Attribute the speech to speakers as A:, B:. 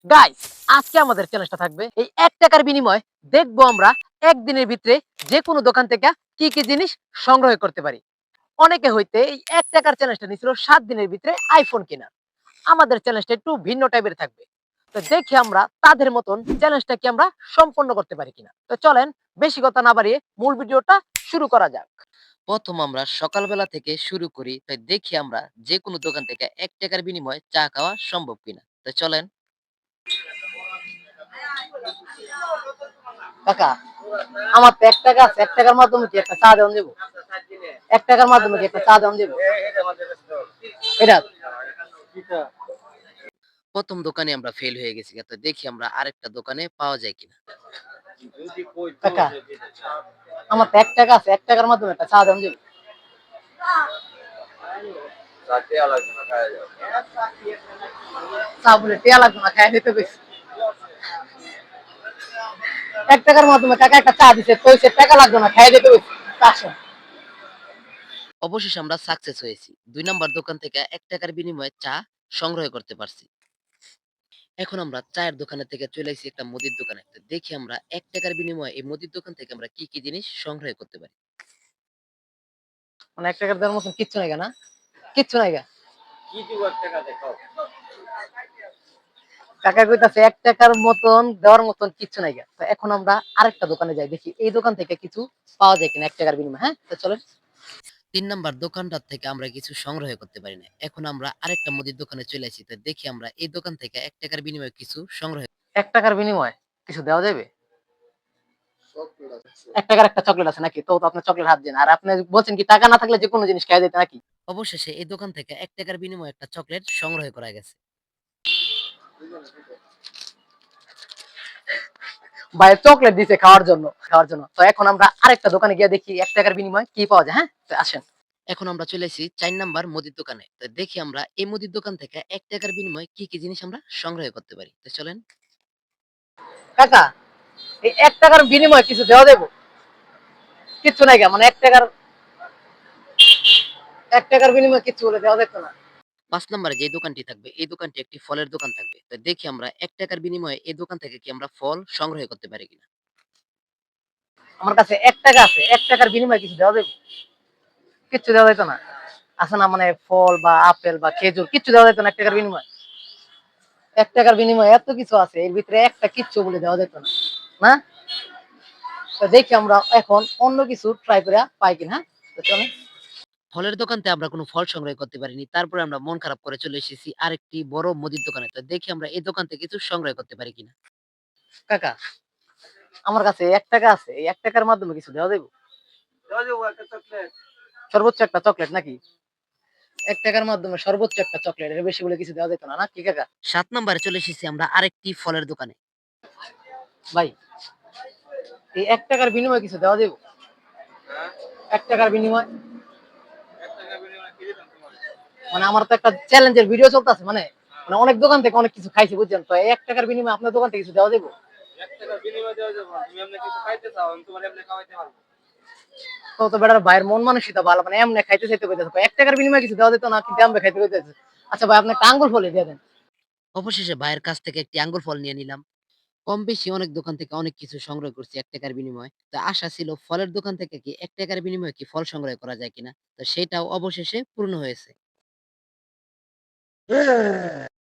A: Guys, আজকে আমাদের চ্যালেঞ্জটা থাকবে এই ৳১ বিনিময়ে দেখবো আমরা একদিনের ভিতরে যেকোনো দোকান থেকে কি, কি জিনিস সংগ্রহ করতে পারি। অনেকে হইতে এই ৳১ চ্যালেঞ্জটা নিছিল ৭ দিনের ভিতরে আইফোন কেনার। আমাদের চ্যালেঞ্জটা একটু ভিন্ন টাইপের থাকবে। তো দেখি আমরা তাদের মতন চ্যালেঞ্জটা কি আমরা সম্পন্ন করতে পারি কিনা। তো চলেন বেশি কথা না বাড়িয়ে মূল ভিডিওটা শুরু করা যাক। প্রথম আমরা সকালবেলা থেকে শুরু করি। তাই দেখি আমরা যেকোনো দোকান থেকে ৳১ বিনিময়ে চা খাওয়া সম্ভব কিনা। তো চলেন। কাকা, আমার তো ৳১ আছে। ৳১ মাধ্যমে কি একটা চা দেওয়া যাবে? ৳১ মাধ্যমে কি একটা চা দেওয়া যাবে? এটা প্রথম দোকানে আমরা ফেল হয়ে গেছি। তো দেখি আমরা আরেকটা দোকানে পাওয়া যায় কিনা। কাকা, আমার তো ৳১ আছে। ৳১ মাধ্যমে একটা চা দেওয়া যাবে? চা বলে টেয়া লাগবে না, খাইয়া নিতে কইছি। ৳১ মাধ্যমে কাকা একটা চা দিছে, কইছে টাকা লাগবে না, খাইয়া দিতে কইছি। আসেন। অবশেষে আমরা সাকসেস হয়েছি। ২ নাম্বার দোকান থেকে ৳১ বিনিময়ে চা সংগ্রহ করতে পারছি। এখন আমরা চায়ের দোকানে থেকে চলে আইছি একটা মুদির দোকানে। তো দেখি আমরা ৳১ বিনিময়ে এই মুদির দোকান থেকে আমরা কি, কি জিনিস সংগ্রহ করতে পারি। মানে ৳১ দেওয়ার মতন কিচ্ছু নাই না? কিচ্ছু নাই গা। কাকা কইতাছে ৳১ মতন দেওয়ার মতন কিচ্ছু নাই গা। তো এখন আমরা আরেকটা দোকানে যাই, দেখি এই দোকান থেকে কিছু পাওয়া যায় কিনা ৳১ বিনিময়ে, হ্যাঁ? তো চলেন। ৩ নাম্বার দোকানটার থেকে আমরা কিছু সংগ্রহ করতে পারি না। এখন আমরা আরেকটা মুদির দোকানে চলে আসি। তো দেখি আমরা এই দোকান থেকে ৳১ বিনিময়ে কিছু সংগ্রহ ৳১ বিনিময়ে কিছু দেওয়া যাবে? ৳১ একটা চকলেট আছে নাকি? তো আপনার চকলেট হাত দেন। আর আপনি বলছেন কি টাকা না থাকলে যেকোনো জিনিস খাইয়া যেতে নাকি? অবশেষে এই দোকান থেকে ৳১ বিনিময়ে একটা চকলেট সংগ্রহ করা গেছে। ভাই চকলেট দিছে খাওয়ার জন্য। তো এখন আমরা আরেকটা দোকানে গিয়ে দেখি ৳১ বিনিময়ে কি পাওয়া যায়, হ্যাঁ? তো আসেন। এখন আমরা চলে এসেছি ৪ নাম্বার মুদির দোকানে। তো দেখি আমরা এই মুদির দোকান থেকে ৳১ বিনিময়ে কি, কি জিনিস আমরা সংগ্রহ করতে পারি। তো চলেন। কাকা, এই ৳১ বিনিময়ে কিছু দেওয়া যাবে? কিচ্ছু নাই গা, মানে ৳১ বিনিময়ে কিচ্ছু বলে দেওয়া যেত না। ৫ নাম্বারে যে দোকানটি থাকবে, এই দোকানটি একটি ফলের দোকান থাকবে। তো দেখি আমরা ৳১ বিনিময়ে এই দোকান থেকে কি আমরা ফল সংগ্রহ করতে পারি কিনা। আমার কাছে ৳১ আছে। ৳১ বিনিময়ে কিছু দেওয়া যাবে? কিচ্ছু দেওয়া যাইত না। আছে না, মানে ফল বা আপেল বা খেজুর কিচ্ছু দেওয়া যাইত না ৳১ বিনিময়ে? ৳১ বিনিময়ে এত কিছু আছে। এর ভিতরে একটা কিচ্ছু বলে দেওয়া যেত না। না? তো দেখি আমরা এখন অন্য কিছু ট্রাই করে পাই কিনা, হ্যাঁ? তো চলেন। ফলের দোকানতে আমরা কোনো ফল সংগ্রহ করতে পারিনি। তারপরে আমরা মন খারাপ করে চলে এসেছি আরেকটি বড় মুদির দোকানে। তো দেখি আমরা এই দোকান থেকে কিছু সংগ্রহ করতে পারি কিনা। কাকা, আমার কাছে ৳১ আছে। এই ৳১ মাধ্যমে কিছু দেওয়া যাইব? সর্বোচ্চ একটা চকলেট নাকি? ৳১ মাধ্যমে সর্বোচ্চ একটা চকলেট। এর বেশি বলে কিছু দেওয়া যেত না, নাকি কাকা? ৭ নাম্বারে চলে এসেছি আমরা আরেকটি ফলের দোকানে। ভাই, এই ৳১ বিনিময়ে কিছু দেওয়া যাইব? ৳১ বিনিময়ে? মানে আমার তো একটা চ্যালেঞ্জের ভিডিও চলতেছে, মানে অনেক দোকান থেকে অনেক কিছু খাইছি, বুঝছেন? তো এই ৳১ বিনিময়ে আপনার দোকান থেকে কিছু দেওয়া যাইব? তো বেটার ভাইয়ের মন মানসিকতা ভালো, মানে এমনি খাইতে চাইতে কইতেছে। ৳১ বিনিময়ে কিছু দেওয়া যেত না, কিন্তু এমনি খাইতে কইতেছে। আচ্ছা ভাই, আপনি একটা আঙ্গুর ফলই দিয়ে দেন। অবশেষে ভাইয়ের কাছ থেকে একটি আঙ্গুর ফল নিয়ে নিলাম। কম বেশি অনেক দোকান থেকে অনেক কিছু সংগ্রহ করছি ৳১ বিনিময়ে। তো আশা ছিল ফলের দোকান থেকে কি ৳১ বিনিময়ে কি ফল সংগ্রহ করা যায় কিনা। তো সেটাও অবশেষে পূর্ণ হয়েছে।